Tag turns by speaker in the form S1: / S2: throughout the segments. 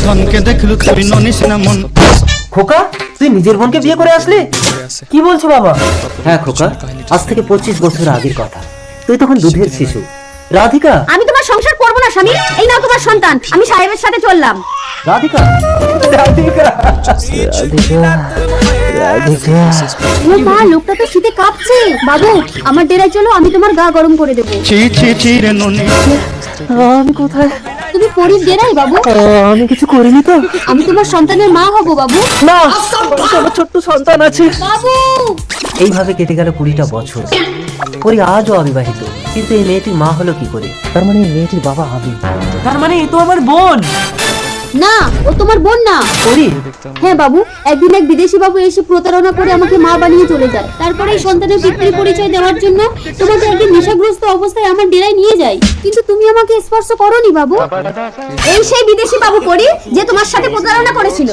S1: ধনকে দেখলু তুই ননিস না মন।
S2: খোকা, তুই নিজের বোনকে বিয়ে করে আসলি? কি বলছো বাবা? হ্যাঁ খোকা, আজ থেকে 25 বছর আগের কথা। তুই তখন দুধের শিশু। রাধিকা,
S3: আমি তোমার সংসার করব না স্বামী, এই নাও তোমার সন্তান, আমি সাহেবের সাথে চললাম।
S2: রাধিকা, রাধিকা, রাধিকা, রাধিকা।
S3: ও মা, লোকটা তো শীতে কাঁপছে। বাবু, আমার ডেরায় চলো, আমি তোমার গা গরম করে দেবো।
S1: ছি ছি ছি রে ননি।
S2: আমি কোথায়?
S3: তুমি পরির ডেরাই বাবু।
S2: আমি কিছু করিনি তো?
S3: আমি তোমার সন্তানের মা হব বাবু।
S2: না, আমার ছোট্ট সন্তান আছে।
S3: বাবু,
S2: এইভাবে কেটে গেল 20টা বছর। পরি আজও অবিবাহিত, কিন্তু এই মেয়েটির মা হলো কি করে? তার মানে এই মেয়েটির বাবা আমি। তার মানে এ তো আমার বোন।
S3: না, ও তোমার বোন না।
S2: পরি,
S3: হ্যাঁ বাবু, একদিন এক বিদেশি বাবু এসে প্রতারণা করে আমাকে মা বানিয়ে চলে যায়। তারপরে এই সন্তানের পিতৃ পরিচয় দেওয়ার জন্য তোমাকে একদিন নেশাগ্রস্ত অবস্থায় আমার ডেরায় নিয়ে যায়, কিন্তু তুমি আমাকে স্পর্শ করোনি বাবু। এই সেই বিদেশি বাবু পরি যে তোমার সাথে প্রতারণা করেছিল।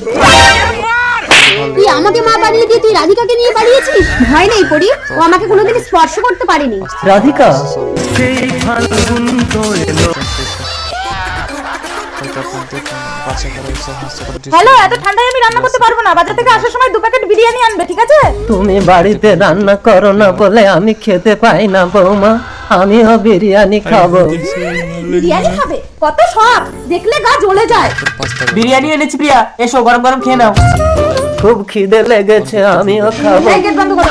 S3: তুই আমাকে মা বানিয়ে দিয়ে তুই রাধিকাকে নিয়ে পালিয়েছিস। ভয় নেই পরি, ও আমাকে কোনোদিন স্পর্শ করতে পারেনি।
S2: রাধিকা,
S4: হ্যালো, এত ঠান্ডায় আমি রান্না করতে পারবো না। বাজার থেকে আসার সময় 2 প্যাকেট বিরিয়ানি আনবে, ঠিক আছে?
S2: তুমি বাড়িতে রান্না করো না বলে আমি খেতে পাই না বৌমা। আমিও বিরিয়ানি খাবো।
S4: বিরিয়ানি খাবে? কত শখ, দেখলে গা জ্বলে যায়।
S2: বিরিয়ানি এনেছি প্রিয়া, এসো গরম গরম খেয়ে নাও। খুব খিদে লেগেছে, আমিও খাবো।
S4: এই গেট বন্ধ করো।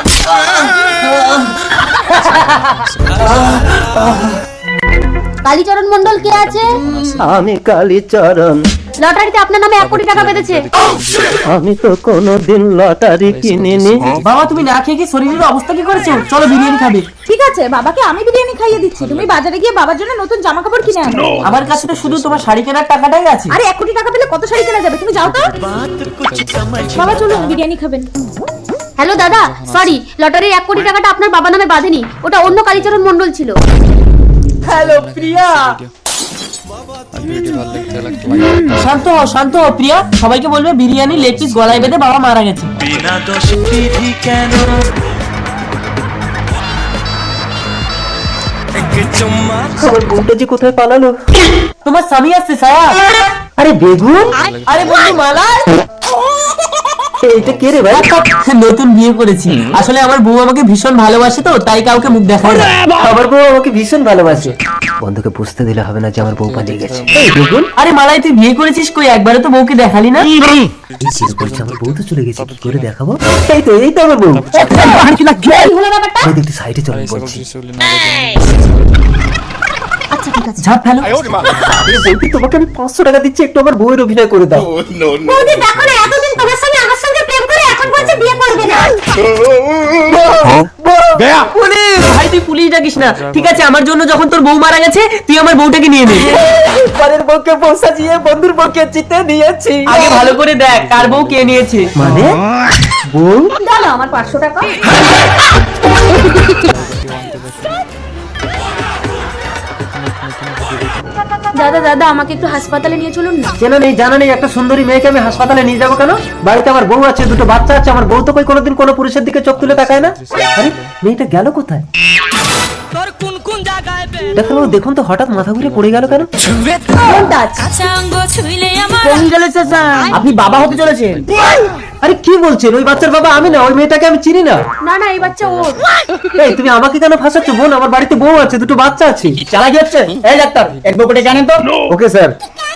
S3: কালীচরণ মন্ডল কে আছে?
S2: আমি কালীচরণ।
S3: লটারিতে আপনার নামে 1 কোটি টাকা পেতেছে।
S2: আমি তো কোনোদিন লটারি কিনিনি।
S5: বাবা, তুমি না খেয়ে কি শরীরের অবস্থা কি করেছো? চলো বিরিয়ানি খাবে।
S4: ঠিক আছে, বাবাকে আমি বিরিয়ানি খাইয়ে দিচ্ছি। তুমি বাজারে গিয়ে বাবার জন্য নতুন জামা কাপড় কিনে আনো।
S5: আমার কাছে তো শুধু তোমার শাড়ি কেনার টাকাটাই আছে।
S4: আরে 1 কোটি টাকা পেলে কত শাড়ি কেনা যাবে? তুমি যাও তো। বাবা চলুন, বিরিয়ানি খাবেন।
S3: হ্যালো দাদা, সরি, লটারির 1 কোটি টাকাটা আপনার বাবা নামে বাঁধেনি, ওটা অন্য কালীচরণ মন্ডল ছিল।
S5: হ্যালো প্রিয়া। শান্ত হও, শান্ত হও প্রিয়া। সবাইকে বলবে বিরিয়ানি লেগ পিস গলায় বেঁধে বাবা মারা গেছে।
S2: আমার বোনটা যে কোথায় পালালো?
S5: তোমার স্বামী আসছে সায়া।
S2: আরে বেগুন,
S5: আরে বন্ধু মালা।
S2: এটা কে রে ভাই?
S5: নতুন বিয়ে করেছি। আসলে আমার বউ আমাকে ভীষণ ভালোবাসে, তো তাই কাউকে মুখ দেখায় না।
S2: আমার বউ আমাকে ভীষণ ভালোবাসে। বন্ধুকে বুঝতে দিলে হবে না যে আমার বউ পালিয়ে গেছে। এই বেগুন,
S5: আরে মালাই, তুই বিয়ে করেছিস কই? একবারে তো বউকে দেখালি না।
S2: এই বলছে আমার বউ তো চলে গেছে, কি করে দেখাবো? এই তো আমার বউ।
S3: কি হলো ব্যাপারটা?
S2: ওই দেখতে সাইডে চলে বলছি।
S3: আচ্ছা ঠিক আছে।
S5: ঝাপ ফেলো।
S2: আরে বলছি তোমাকে আমি 500 টাকা দিচ্ছি, একটু আমার বউয়ের অভিনয় করে দাও।
S3: বৌদি দেখো না, এতদিন তোমার সঙ্গে আমার সঙ্গে প্রেম করে এখন বলছে বিয়ে করবে না।
S5: পুলিশ! ভাই তুই পুলিশ ডাকিস না, ঠিক আছে? আমার জন্য যখন তোর বউ মারা গেছে, তুই আমার বউটাকে নিয়ে নে।
S2: পরের বউকে বউ সাজিয়ে বন্ধুর বউকে জিতে নিয়েছি।
S5: আগে ভালো করে দেখ কার বউ কে নিয়েছে।
S2: মানে বউ?
S3: দাও আমার 500 টাকা। দাদা দাদা, আমাকে একটু হাসপাতালে নিয়ে চলুন না।
S2: কেন নেই জানা নেই, একটা সুন্দরী মেয়েকে আমি হাসপাতালে নিয়ে যাবো কেন? বাড়িতে আমার বউ আছে, 2টো বাচ্চা আছে। আমার বউ তো কই কোনোদিন কোনো পুরুষের দিকে চোখ তুলে তাকায় না। আরে মেয়েটা গেল কোথায়? ডাক্তারবাবু দেখুন তো, হঠাৎ মাথা ঘুরে পড়ে গেল কেন?
S5: আপনি বাবা হতে চলেছেন।
S2: আরে কি বলছেন? ওই বাচ্চার বাবা আমি না, ওই মেয়েটাকে আমি চিনি না।
S3: না না, এই বাচ্চা ওর।
S2: এই তুমি আমাকে কেন ফাঁসাচ্ছ বোন? আমার বাড়িতে বউ আছে, 2টো বাচ্চা আছে।
S5: চালাকি হচ্ছে। এই ডাক্তার, এক বউকে জানেন তো?
S2: Okay sir.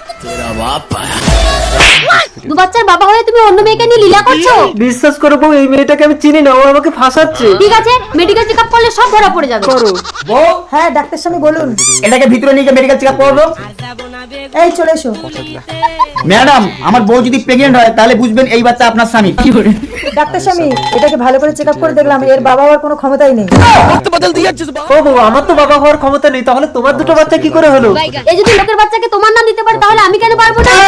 S3: দু বাচ্চার বাবা হয়ে তুমি অন্য মেয়েকে নিয়ে লীলা করছো?
S2: বিশ্বাস করো বউ, এই মেয়েটাকে আমি চিনি না, ও আমাকে ফাঁসাচ্ছে।
S3: ঠিক আছে, মেডিকেল চেকআপ করলে সব ধরা পড়ে যাবে।
S2: করো।
S5: বউ,
S4: হ্যাঁ ডাক্তার স্বামী বলুন।
S5: এটাকে ভিতরে নিয়ে মেডিকেল চেকআপ করবো।
S4: এই চলে এসো।
S5: ম্যাডাম, আমার বউ যদি প্রেগনেন্ট হয় তাহলে বুঝবেন এই বাচ্চা আপনার স্বামী।
S4: ডাক্তার স্বামী, এটাকে ভালো করে চেকআপ করে দেখলাম, এর বাবা হওয়ার কোনো ক্ষমতাই নেই।
S2: ও বউ, আমার তো বাবা হওয়ার ক্ষমতা নেই, তাহলে তোমার 2টো বাচ্চা কি করে হলো?
S3: এই যদি লোকের বাচ্চাকে তোমার নাম দিতে পারে, তাহলে আমি কেন পারবো না?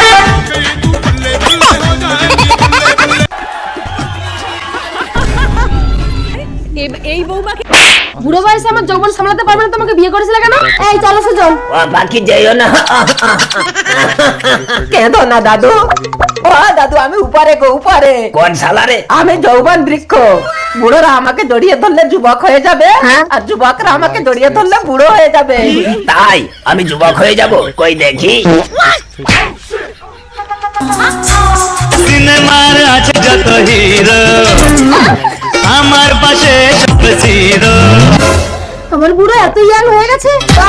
S3: বুড়ো বয়সে আমার যৌবন সামলাতে পারবে না, তোমাকে বিয়ে করেছিল কেন? এই চলো সুজন।
S2: বাকি যাইও না। কেঁদো না দাদু। ও দাদু, আমি উপরে গো, উপরে।
S5: কোন শালারে?
S2: আমি যৌবন বৃক্ষ। বুড়োরা আমাকে জড়িয়ে ধরলে যুবক হয়ে যাবে, আর যুবকরা আমাকে জড়িয়ে ধরলে বুড়ো হয়ে যাবে।
S5: তাই আমি যুবক হয়ে যাব? কই দেখি।
S4: আমার বুড়ো এত ইয়াং হয়ে গেছে,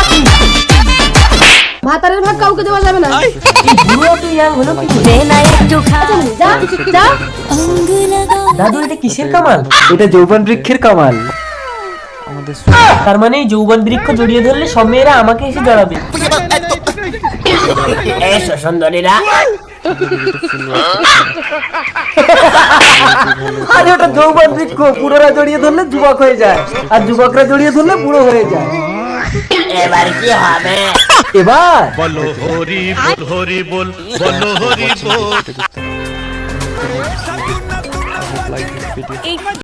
S4: ভাতারের ভাগ কাউকে দেওয়া যাবে না।
S5: বুড়ো তো ইয়াং হলো কি করে?
S4: যা যা।
S5: দাদু এটা কিসের কামাল?
S2: এটা যৌবন বৃক্ষের কামাল।
S5: তার মানে এই যৌবন বৃক্ষ জড়িয়ে ধরলে সব মেয়েরা আমাকে এসে জড়াবে। এসো সুন্দরীরা।
S2: আরে ওটা যৌবন বৃক্ষ, বুড়োরা জড়িয়ে ধরলে যুবক হয়ে যায়, আর যুবকরা জড়িয়ে ধরলে বুড়ো হয়ে যায়।
S5: এবার কি হবে?
S2: এবার
S1: বলো হরি বল হরি বল, বলো হরি বল।